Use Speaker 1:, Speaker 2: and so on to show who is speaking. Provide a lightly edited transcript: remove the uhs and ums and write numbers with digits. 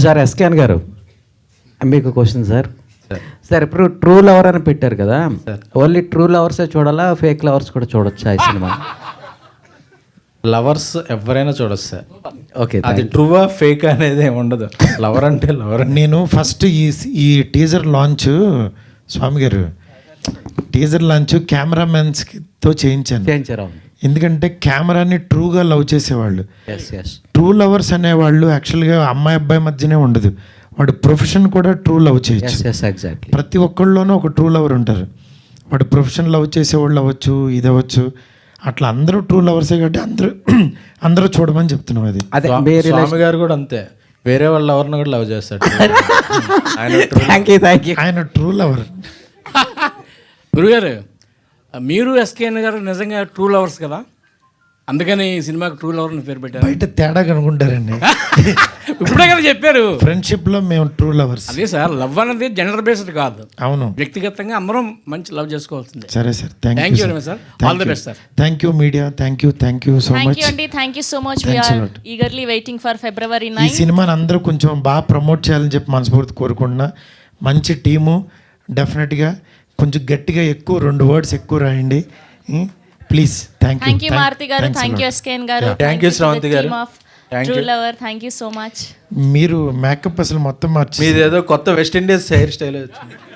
Speaker 1: Sir SKN గారు, మీకు question sir. Sir ఇప్పుడు ట్రూ లవర్ అని పెట్టారు కదా, ఓన్లీ ట్రూ లవర్సే చూడాలా, ఫేక్ లవర్స్ కూడా చూడొచ్చా ఈ సినిమా?
Speaker 2: లవర్స్ ఎవరైనా చూడొచ్చు సార్.
Speaker 1: ఓకే,
Speaker 2: అది ట్రూవా ఫేక్ అనేది ఏమి ఉండదు. లవర్ అంటే లవర్.
Speaker 3: నేను ఫస్ట్ ఈ టీజర్ లాంచ్, స్వామి గారు, టీజర్ లాంచ్ కెమెరామెన్స్తో చేయించాను. ఎందుకంటే కెమెరాని ట్రూగా లవ్ చేసేవాళ్ళు, ట్రూ లవర్స్ అనేవాళ్ళు యాక్చువల్గా అమ్మాయి అబ్బాయి మధ్యనే ఉండదు, వాడు ప్రొఫెషన్ కూడా ట్రూ లవ్ చేయొచ్చు. ప్రతి ఒక్కళ్ళలోనూ ఒక ట్రూ లవర్ ఉంటారు. వాడు ప్రొఫెషన్ లవ్ చేసేవాళ్ళు అవ్వచ్చు, ఇది అవ్వచ్చు, అట్లా అందరూ ట్రూ లవర్సే కాబట్టి అందరూ చూడమని చెప్తున్నాం. అది
Speaker 2: స్వామి గారు కూడా అంతే, వేరే వాళ్ళ లవర్ని కూడా లవ్ చేస్తాడు.
Speaker 3: ఆయన ట్రూ లవర్.
Speaker 4: గురుగారు, మీరు ఎస్కేఎన్ గారు నిజంగా ట్రూ లవర్స్ కదా, అందుకని ఈ సినిమాకి ట్రూ లవర్ అని పేరు పెట్టారు.
Speaker 3: బయట తేడా కనుకుంటారండి.
Speaker 4: ఇప్పుడే కదా చెప్పారు,
Speaker 3: ఫ్రెండ్షిప్ లో మేము ట్రూ లవర్స్.
Speaker 4: అదే సార్, లవ్ అనేది జెండర్ బేస్డ్ కాదు.
Speaker 3: అవును,
Speaker 4: వ్యక్తిగతంగా అందరం మంచి లవ్ చేసుకోవాల్సిందే.
Speaker 3: సరే sir,
Speaker 4: thank you sir. All the best sir.
Speaker 3: Thank you media, thank you so much
Speaker 5: అండి. Thank you so much. We are eagerly waiting for February 9.
Speaker 3: ఈ సినిమాని అందరూ కొంచెం బాగా ప్రమోట్ చేయాలని చెప్పి మనస్ఫూర్తి కోరుకుంటున్నా. మంచి టీము, డెఫినెట్గా కొంచెం గట్టిగా ఎక్కువ 2 words ఎక్కువ రాయండి ప్లీజ్.
Speaker 5: థ్యాంక్ యూ మారుతి గారు, థ్యాంక్ యూ ఎస్కేఎన్ గారు,
Speaker 2: థ్యాంక్ యూ శ్రావంతి గారు,
Speaker 5: true lover, thank you so much.
Speaker 3: మీరు మేకప్ అసలు మొత్తం మార్చి,
Speaker 2: మీది ఏదో కొత్త వెస్ట్ ఇండీస్ హెయిర్ స్టైల్ వచ్చింది.